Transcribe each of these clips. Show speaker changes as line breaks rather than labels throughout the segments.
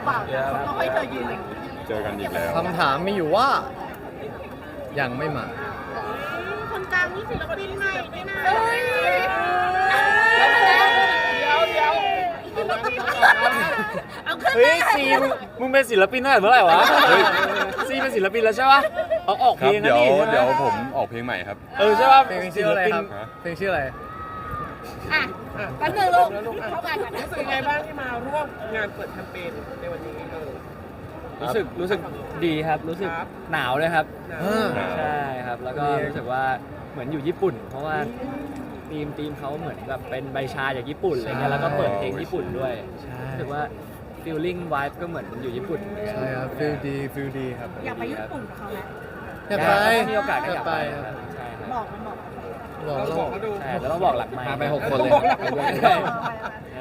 เปล่าเขาให้เธอยืนอย่างนี้
เจอกันอีกแล้ว
คำถามมีอยู่ว่า ยังไม่มา
คนกลางนี่ศิลปินใหม่นี่นะเอาขึ้น
เฮ้ยซีมึงเป็นศิลปินตั้งแต่เมื่อไหร่วะซีเป็นศิลปินแล้วใช่ปะออกเพ
ครั
ล
บ
งนะ
เดี๋ยว
นี่
เดี๋ยวผมออกเพลงใหม่ครับ
ใช่ปะ
เพลงชื่ออะไรครับเพลงชื่ออะไร
อ่ะกันหนึ่งลูกเข้ากันก่อนนะ
รู้สึกยังไงบ้างที่มาร่วมงานเปิดแคมเปญในวันนี้
รู้สึกดีครับรู้สึกหนาวเลยครับ
หนาว
ใช่ครับแล้วก็รู้สึกว่าเหมือนอยู่ญี่ปุ่น เพราะว่าทีมเขาเหมือนแบบเป็นใบชาจากญี่ปุ่นอะไรเงี้ยแล้วก็เปิดเพลงญี่ปุ่นด้วย
ใช่
รู้สึกว่า feeling vibe ก็เหมือนอยู่ญี่ปุ่นเหมือนกัน
ใช่ครับฟิลดีครับ
อยากไปญี่ปุ่นกับเขาไหม
อยากไป
ถ้ามีโอกาสก็อยากไป
ค
ค
รั
รั
บบ
ใช่ครับ
บอกมันบอก
บอก
เรา
แล้ว
บอกเขาดู
ใช่แล้วต้องบอกหลักไมค์
พาไป6 คนเลย
ใช่ใช่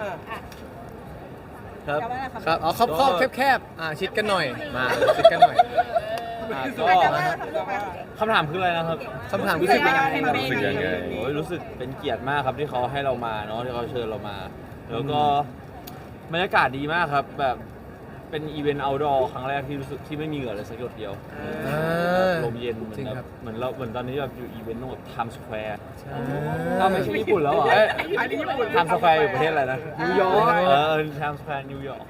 ครับ
ครับเอาครอบแคบๆชิดกันหน่อยมาชิดกันหน่อย
ก็คำถามคืออะไรนะครับ
คำถาม
รู้
รู้
สึ
สึ
ก
ก
ยั
ยัง ง
ไง
ไง
รู้สึกยังไง
โอ้ยรู้สึกเป็นเกียรติมากครับที่เขาให้เรามาเนาะที่เขาเชิญเรามา แล้วก็บรรยากาศดีมากครับแบบเป็นอีเวนต์ outdoor ครั้งแรกที่รู้สึกที่ไม่มีเหงื่อเลยสักหยดเดียวลมเย็นเหมือน
จริง
แบ
ครับ
บเหมือนตอนนี้แบบอยู่อีเวนต์ตรงแบบ Times Square
อ้า
อ้าว วไม่ใช่ญี่ปุ่นแล้วเหรอ
อันนี้ญี่ปุ่น
Times Square อยู่ประเทศอะไรนะนิวยอร์กTimes Square นิวยอร์ก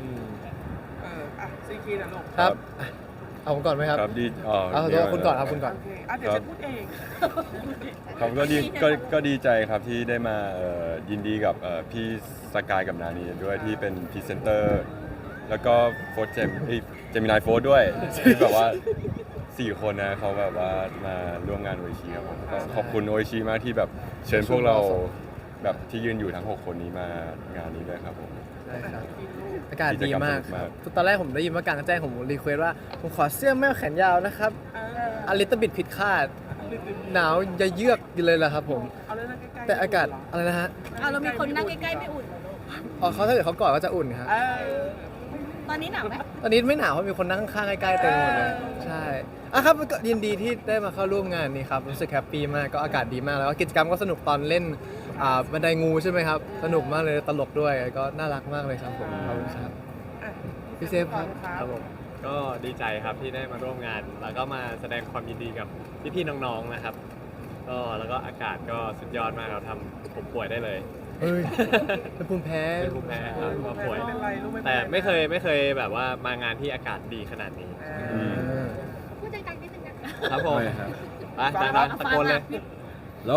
ซีคีนะลูก
ครับเอาผมก่อนไหมครับ
ครับดี
เอาตัวคุณก่อนครับคุณก่อน
โอเคเดี๋ยวฉันพูดเอง
ครับก็ดีใจครับที่ได้มายินดีกับพี่สกายกับนานีด้วยที่เป็นพรีเซนเตอร์แล้วก็โฟร์เจมินายโฟร์ด้วยที่แบบว่า4 คนนะเขาแบบว่ามาร่วมงานโออิชิครับผมก็ขอบคุณโออิชิมากที่แบบเชิญพวกเราแบบที่ยืนอยู่ทั้ง6 คนนี้มางานนี้ด้วยครับผม
ใช่ครับอากาศดีมาก
กิจกรรมสนุกมาก
ตอนแรกผมได้ยินว่ากลางแจ้งผมรีเควสว่าผมขอเสื้อแม่แขนยาวนะครับอลิตบิดผิดคาด หนาวจะเยือกอยู่เลยล่ะครับผม
เอาเลยนะใกล้ๆ
แต่อากาศอะไรนะฮะ
เอาเรามีคนนั่งใกล้ๆไม่อุ่น
อ๋อเขาถ้าเกิดเขากอดก็จะอุ่นครับ
ตอนนี้หนาวไหม
ตอนนี้ไม่หนาวเพราะมีคนนั่งข้างๆใกล้ๆเต็มหมดเลยใช่อ่ะครับก็ยินดีที่ได้มาเข้าร่วมงานนี้ครับรู้สึกแฮปปี้มากก็อากาศดีมากแล้วก็กิจกรรมก็สนุกตอนเล่นบันไดงูใช่ไหมครับสนุกมากเลยตลกด้วยก็น่ารักมากเลยครับผมขอบคุณครับพี่เซฟครับ
ครับผมก็ดีใจครับที่ได้มาร่วมงาน แล้วก็มาแสดงความยินดีกับพี่ๆน้องๆนะครับก็แล้วก็อากาศก็สุดยอดมากเราทำผมป่วยได้เลย
เฮ้ยเป็นภูมิแพ้
เป็นภูมิแพ้ครับก็ป่วย
ไม่เป็นไรลูกไม่เป็นไร
แต่ไม่เคยแบบว่ามางานที่อากาศดีขนาดนี้
พูดใจๆนิดนึงนะครับ
ผมไปดังๆตะโกนเลย
โล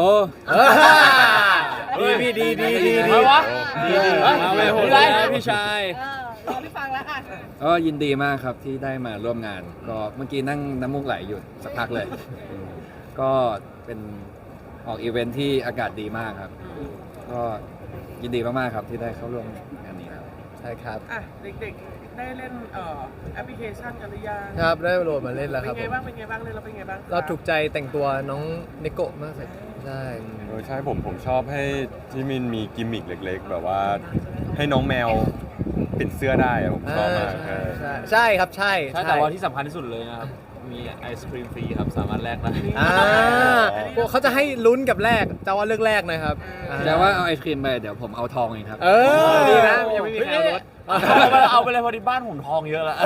ดีพี่ดี
มาวะ
ดี
มาเลยโหดเลยนะพี่ชาย
รอพี่ฟังแล้วค่ะ
ก็ยินดีมากครับที่ได้มาร่วมงาน ก็เมื่อกี้นั่งน้ำมูกไหลอยู่สักพักเลย ก็เป็นออกอีเวนท์ที่อากาศดีมากครับ ก็ยินดีมากๆครับที่ได้เข้าร่วมงานนี้ครับ
ใช่ครับ
เด็กๆได้เล่นแอปพลิเคชันกันหรือยัง
ครับได้โหลดมาเล่นแล้วค
เป็
รับ
นไงบ้างเป็นไงบ้างเล่นแล้วเป็นไงบ้าง
เราถูกใจแต่งตัวน้องเนโกะมากเลยใช่
ใช่ผมชอบให้ที่มินมีกิมมิคเล็กๆ แบบว่าให้น้องแมวปิดเสื้อได้อะผมชอบมาก
ใช่ครับใช่
ใช่แต่ว่าที่สำคัญที่สุดเลยนะครับ มีไอศครีมฟรีครับ สามารถแลกได้
พวกเขาจะให้ลุ้นกับแรกจะว่าเลือกแรกนะครับ
แต่ว่าเอาไอศครีมไปเดี๋ยวผมเอาทองเองครับ
ดีนะยังไม่มีใครเอารถ
เอาไปเลยพอดีบ้านผมทองเยอะแล้ว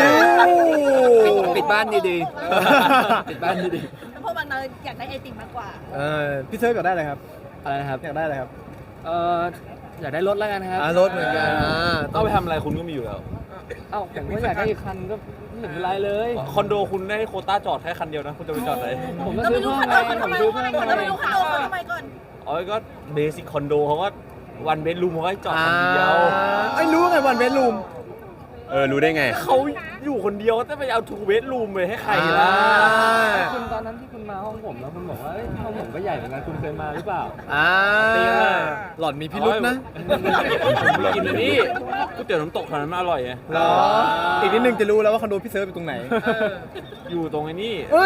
ปิดบ้านดีๆปิดบ้านดี
แล้วพวกบางเราอยากได้ไอติมมากกว่า
พี่เซิร์ฟอยากได้อะไรครับ
อะไรนะครับ
อยากได้อะไรครับ
อยากได้รถแล้วกันครับ
รถเหมือนกัน
เอาไปทำอะไรคุณก็มีอยู่แล้ว เอ้าผมก็อยากได้อีกคันก็ไม่เห็นเป็นไรเลย คอนโดคุณได้โควต้าจอดแค่คันเดียวนะ คุณจะไปจอดไหน ผมก็ซื้อเพิ่มไงผมซื้อเพิ่ม
เราไม่รู้คอนโดเขาทำไมก่อน
อ๋อก็เบสิกคอนโดเขาก็วันเบดรูมเขาให้จอดคันเดียว
ไอ้รู้ไงวันเบดรูม
รู้ได้ไง
เขาอยู่คนเดียวก็จะไปเอาทูเบดรูมไปให้ใครล่ะ คุณตอนนั้นที่คุณมาห้องผมแล้วคุณบอกว่าห้องผมก็ใหญ่เหมือนกันคุณเคยมาหรือเปล่า
หล่อนมีพิรุษนะ
กินอันนี้ก๋วยเตี๋ยวน้ำตกแถวนั้นมันอร่อยไง
หรออีกนิดนึงจะรู้แล้วว่าคอนโดพี่เซิร์ฟอยู่ตรงไหน
อยู่ตรงไอ้นี่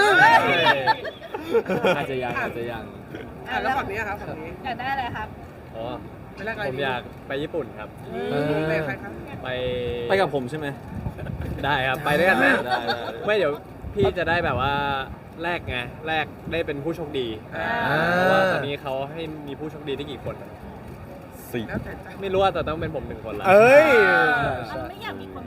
อาจจะยัง
แล้วฝั่งนี้ครับฝั่งนี้
อยากได้อะไรครับ
อ๋อ
ไม่แลกอะไร
ผมอยากไปญี่ปุ่นครับ
แลกใครครับ
ไปกับผมใช่ไหม ได้ครับ ไปด้วยกันนะไม่เดี๋ยวพี่จะได้แบบว่าแลกไงแลกได้เป็นผู้โชคดีเพราะว่าตอนนี้เขาให้มีผู้โชคดีได้กี่คน
สี่
แล้วแต่ใจ
ไม่รู้ว่าแต่ต้องเป็นผม1 คนละ
เอ้ย
มันไม่อยากมีคน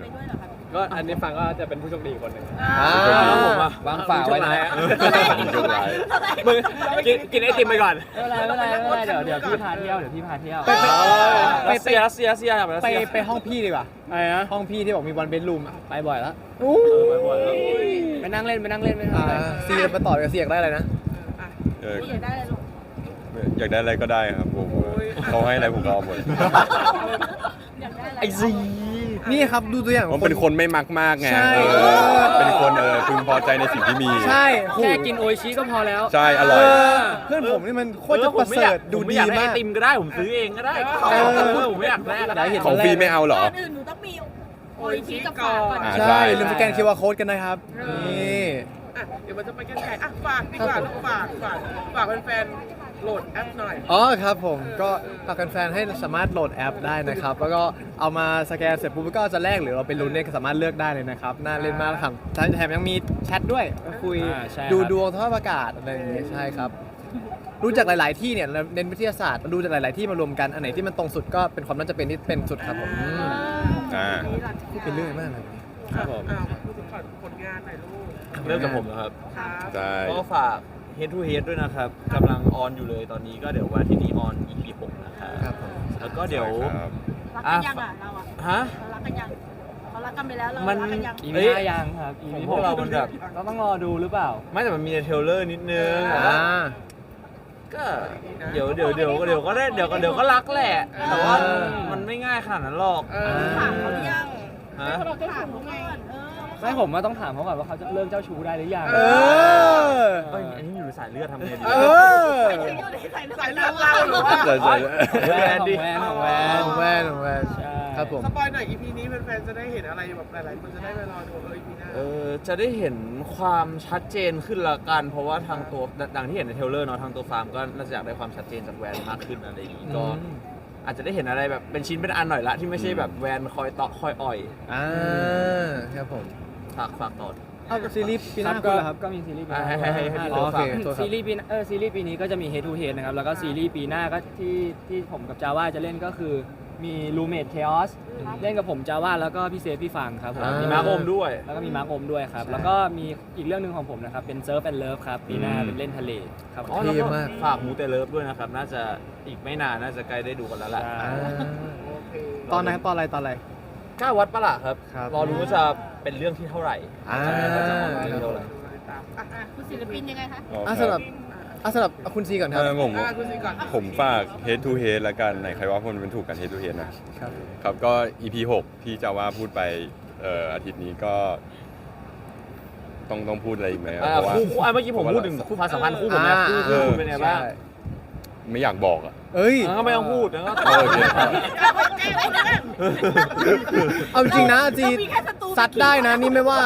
ก็อันนี้ฟังก็จะเป็นผู้โชคดีคนหนึ่ง
แล้วผมอะ
วางฝาไว้นะ
โชคร้าย
มึงกินไอติมไปก่อน
ไม่เป็นไรเดี๋ยวพี่พาเที่ยว
รัสเซียแบบรัสเซีย
ไปห้องพี่ดีกว่า
อะไรนะ
ห้องพี่ที่บอกมีวันเบดรูม
ไปบ่อยแล้ว
ไปบ่อยแล้ว
ไปนั่งเล่นไม่เป็นไร
ซีมาต่อกับเสียงได้อะไรนะ
เออ
อยากได้อะไรลูก
อยากได้อะไรก็ได้ครับผมเขาให้อะไรผมก็เอาหมด
อยากได้อะไร
ไอซี
นี่ครับดูตัวอย่าง
ผมเป็นคนไม่มักมากไง
ใช่
เป็นคนพึงพอใจในสิ่งที่มี
ใช่
แค่กินโออิชิก็พอแล้ว
ใช่อร่อย
เพื่อนผมนี่มันโคตรจะประเสริฐดูดี
ไอ
มาก
ติมก็ได้ผมซื้อเองก็ได้ผมไม่อยากแลกก็ได้
ของฟรีไม่เอาเหรอ
ก่อนอื่นหนูต้องมีโออิชิกับฝากก่อน
อ่า
ใช่ลืมสแกน QR code กันนะครับนี่
อ่ะเดี๋ยวมันจะไปกันไกลอ่ะฝากดีกว่าลูกฝากแฟนๆโหลดแอปหน่อย
อ๋อครับผมก็ฝากแฟนๆให้สามารถโหลดแอปได้นะครับ แล้วก็เอามาสแกนเสร็จปุ๊บก็จะแลกหรือเราไปลุ้นเนี่ยก็สามารถเลือกได้เลยนะครับน่าเล่นมากครับแถมยังมีแชทด้วยก็คุย
ใช่
ดู
ครับ
ดวงสภาพอากาศอะไรอย่างเงี้ยใช่ครับรู้จากหลาย ๆ ที่เนี่ยเราเน้นวิทยาศาสตร์ดูจากหลาย ๆ ที่มารวมกันอันไหนที่มันตรงสุดก็เป็นความน่าจะเป็นที่เป็นสุดครับผม
อ่า
พูดเป็นเรื่องมากเลย
ครับผม
พูดถึงผลงานหน่อยลูก
เริ่มจากผมนะครับ
ครับ
ใช่
ก็ฝาก Head to Head ด้วยนะครับกำลังออนอยู่เลยตอนนี้ก็เดี๋ยววันอาที่นี้ออน EP 6นะครับ
ครับผม
แล้วก็เดี๋ยว
ครับ
รักกันยังอ่ะเราอ่ะ
ฮะ
เรารักกันยังเขารักกันไปแล้วเรา
มัน
รักกันยัง
อี
เอ้
พี
ย
ห้ายังครับอี
ของ
พี
พวกเรามันแบบ
เราต้องรอดูหรือเปล่า
ไม่แต่มันมีในเทรลเลอร์นิดนึง
อ่า
ก็เดี๋ยวก็ได้เดี๋ยวก็รักแหละ แต่ว่ามันไม่ง่ายขนาดนั้นหรอก
ถามเขาหรือยัง
ฮะ
ถามเขาไงเออ
ไม่ผมว่าต้องถามเขาก่อนว่าเขาจะเลิกเจ้าชู้ได้หรือยัง
เออ
เอ้ยอันนี้อยู่ในสายเลือดทำไงดี
เออ
สายเลือดเราหรือว่า
ใช่ใช่
แวนดิ
ของแวน
ของแวนของแวน
ใช่
ครับผม
สปอยหน่อย EP นี้แฟนๆจะได้เห็นอะไรแบบหลายๆคนจะได้ไปรอดูEP หน้า
จะได้เห็นความชัดเจนขึ้นละกัน เพราะว่าทางตัวดังที่เห็นในเทรลเลอร์เนาะทางตัวฟาร์มก็น่าจะอยากได้ความชัดเจนจากแวนมากขึ้นอะไรอย่างนี้ก็อาจจะได้เห็นอะไรแบบเป็นชิ้นเป็นอันหน่อยละที่ไม่ใช่แบบแวนคอยเตาะคอยอ่อย
อ่าครับผม
ฝากต่อ
เอาซีรีส์ปีห
ครั
น้า
บ
คุณ
ก็
เหรอครับ
ก็มีซีรีส์ปีห
ให้
น้า
พี่
อ๋อ
เต๋อ
โอ
ฝาก
เค
ซีรีส์ปีหน้าซีรีส์ปีนี้ก็จะมี Head to Head นะครับแล้วก็ซีรีส์ปีหน้าก็ที่ผมกับจาว่าจะเล่นก็คือมี Roommate Chaos เล่นกับผมจาว่าแล้วก็พี่เซฟพี่ฟังครับผม
อ่า
มีมาร์คอมด้วย
แล้วก็มีมาร์คอมด้วยครับแล้วก็มีอีกเรื่องหนึ่งของผมนะครับเป็น Surf and Love ครับปีหน้าเป็นเล่นทะเลครับ
อ๋อ
เท่
แล้วก็
มาก
ฝากมูเตเลิฟด้วยนะครับ น่าจะอีกไม่นานน่าจะใกล้ได้ดูกันแล้วแหละ
อ่าตอนไหนครับตอนอะไร
กล้าวัดปะล่ะครับ
ครับ
รอรู้ว่าจะเป็นเรื่องที่เท่าไหร่
อ่า
ว่าจะออกมาเป็นเรื่องเท่าไหร่
อ่ะคุณศิลปินยังไงคะ
สำหรับคุณซีก่อนครับ
ผม
คุณซีก่อน
ผมฝาก Head to Head ละกันไหนใครว่าคนเป็นถูกกัน Head to Head นะครับ ครับก็ EP 6 ที่จะว่าพูดไปอาทิตย์นี้ก็ต้องพูดอะไรอีกไหมครับเพราะว่า
คู่เมื่อกี้ผมพูดถึงคู่ความสัมพันธ์คู่ผมนะคู่คุณเป็นไงบ้าง
ใช่
ไม่อยากบอกอ่ะ
เอ้ย
ก็ไม่ต้องพูดนะก็
โอเคครับ
เอาจริงนะจี
มีแค่ศัตรู
ซัดได้นะนี่ไม่ว่า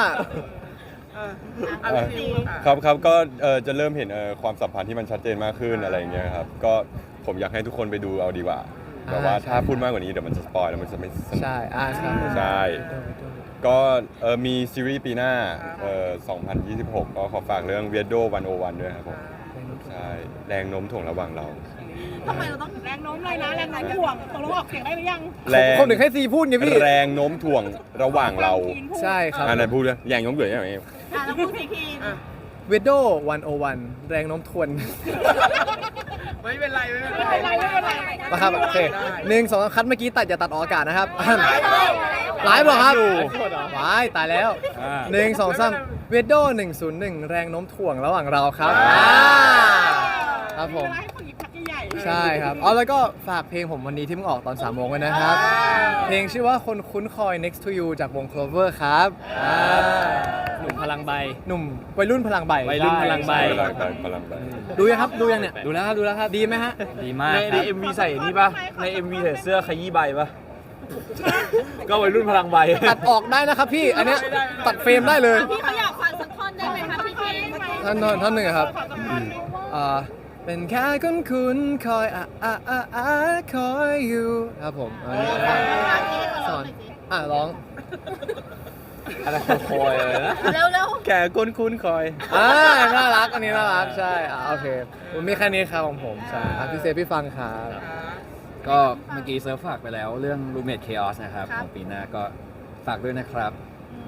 ครับก็จะเริ่มเห็นความสัมพันธ์ที่มันชัดเจนมากขึ้นอะไรอย่างเงี้ยครับก็ผมอยากให้ทุกคนไปดูเอาดีกว่าแต่ว่าถ้าพูดมากกว่านี้เดี๋ยวมันจะสปอยแล้วมันจะไม่สนุก
ใช่ใช่
ใช่ก็มีซีรีส์ปีหน้า2026 ก็ขอฝากเรื่อง Weirdo 101 ด้วยครับผมใช่แรงโน้มถ่วงระหว่างเรา
ทำไมเราต้องแรงโน้มเลยนะแรงโน้มถ่วงตกลงออกเสียงได้หรือยัง
แรง
คนหนึ่งให้ซีพูดไงพี่
แรงโน้มถ่วงระหว่างเรา
ใช่ครับ
อันนั้นพูดเลยแรงโน้มถ่วงอย่างไร
อ่ะแล้วพูดทีคีน
เวดโด101 แรงโน้มทวน
ไม่เป็นไรไม่เป็นไร
มาครับโอเค1 2คัดเมื่อกี้ตัดอย่าตัดออกอากาศนะครับไลฟ์เหรอครับว้ายตายแล้ว1 2 3เวดโด101 แรงโน้มถ่วงระหว่างเราครับครับผม
ให้ผู้หญิงพักใหญ่
ใช่ครับอ๋อแล้วก็ฝากเพลงผมวันนี้ที่เพิ่งออกตอน3 โมงไว้นะครับ เพลงชื่อว่าคนคุ้นคอย next to you จากวง Clover ครับ
หนุ่มพลังใบ
หนุ่มวัยรุ่นพลังใบ
วัยรุ่นพลังใบ
พลังไป
ดูยังครับดูยังเนี่ย
ดูแล้วครับ
ดีไหมฮะ
ดีมาก
ใน
ครับ
MV ใส่นี่ป่ะใน MV ใส่เสื้อขยี้ใบป่ะก็วัยรุ่นพลังใบ
ตัดออกได้นะครับพี่ อันเนี้ยตัดเฟรมได้เลย
พี่เขาอยากฟังสักท่อนได้ไหมคะพี่คีน
ท่อนหนึ่งอะครับเป็นแค่คนคุ้นคอยคอยอยู่ครับผมอันนี้สอนร้อง
อะไรคอยอะไรนะ
เร็ว
แกคุ้นคอย
น่ารักอันนี้น่ารักใช่โอเคผมมีแค่นี้ครับของผมใช่พี่เซฟพี่ฟังครับ
ก็เมื่อกี้เซิร์ฟฝากไปแล้วเรื่อง Roommate Chaos นะครับของปีหน้าก็ฝากด้วยนะครับ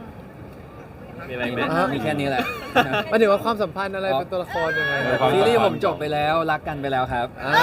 มีอะไรไหม
มีแค่นี้แหละ
หมายถึงว่าความสัมพันธ์อะไรเป็นตัวละครยังไง
ซีรีส์ผมจบไปแล้วรักกันไปแล้วครับ
อ่า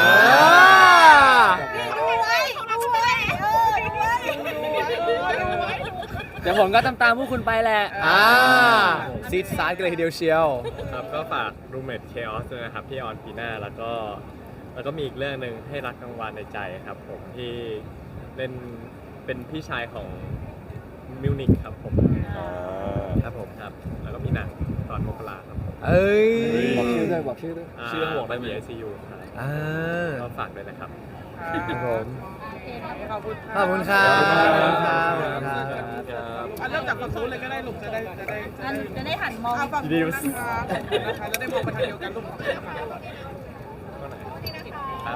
เดี๋ยวผมก็ตามพวกคุณไปแหละ
ซีดซาร์กันเลยทีเดียวเชียว
ครับก็ฝาก Roommate Chaos ด้วยนะครับที่ออนปีหน้าแล้วก็มีอีกเรื่องหนึ่งให้รักกลางวันในใจครับผมที่เล่นเป็นพี่ชายของมิวนิกครับผม
ครับผม
ครับแล้วก็มีหนังตอนมกราครับผม
เอ้ย
บอกชื่อด้วยบอกชื่อด้วย
ชื่อบอกได้ไหม
ICU ครับ
อ่า
ก็ฝากด้วยนะครับ
ครับผม
ขอบคุณ
ขอบคุณครับ
ขอบคุณครับ
ขอบคุณครับ
เริ่มจากฝั่งนู้นเลยก็ได้ลูกจะได้
จะได้หันมอง
ฝั่งนู้นนะคะจะได้มองไปทางเดียวกันลูก
ครับ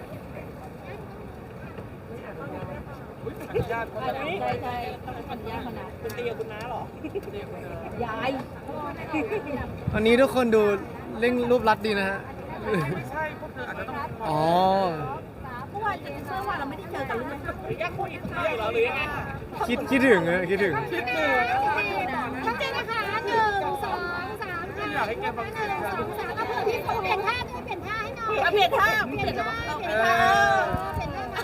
ญาติ
ใช่ใช่ต้องขออนุญาตมานะคุณเตียคุณน้าหรอยาย
วันนี้ทุกคนดูเร่งรูปรัดดีนะฮะ
ไม่ใช่พวกเธออาจจะต้อง
อ๋อ
เมื่อวานเจนเซอร์ว่าเราไม่ได้เจอกันเลย
แค่คุยกับเธอเหรอหรือยังไง
คิดถึงอะคิดถึง
ตั้งใจนะคะ1 2 3
อยากให้แกฟังเสียง
1 2 3เอาเผื่อพี่เขาเปลี่ยนท่าด้วยเปลี่ยนท่าให้หน่อย
เปลี่ยนท่า
เปลี่ยนท่าเปลี่ยนท่าเปลี่ยนท่า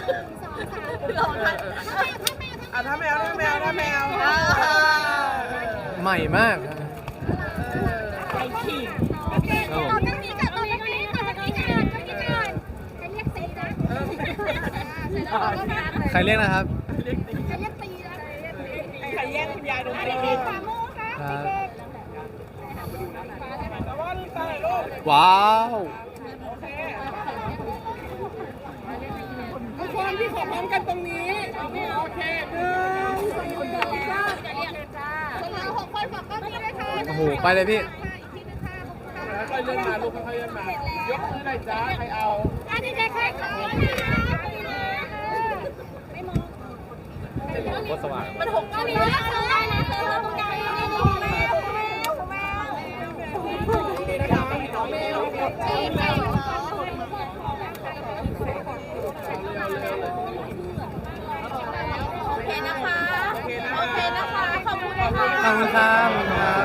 ถ้า
1 2 3
แมว
ใหม่มาก
ไอ้ขี่
โอเคเราต้องมีก่อนเราต้องมีก่อนจะเรียกตีนะ
ใครเรียกนะครับ
จะเรียกตีนะ
ใครแย่งคุณยายดู
อันนี้คือขวามือค่ะ
ครับ
เด็ก
แต่ว่าลูกชายลูก
ว้าว
ทุกคนพี่ขอพร้อมกันตรงนี้โอเค
เรา6 คนขอบคุณพี่ด้วยค่ะ
โอ้โห ไปเลยพี่
ค่อยเลื่อนมาลูกค่อยเลื่อนมายกมือหน่อยจ้าใครเอา
อันนี้จะแค่ขอไม่มอง
ก็สว่าง
มันหก
ก็มีเรื่องอะไรนะเธอตรงไหน
โอเคนะคะ โอเคนะคะ ขอบคุณนะคะ
ขอบคุณครับ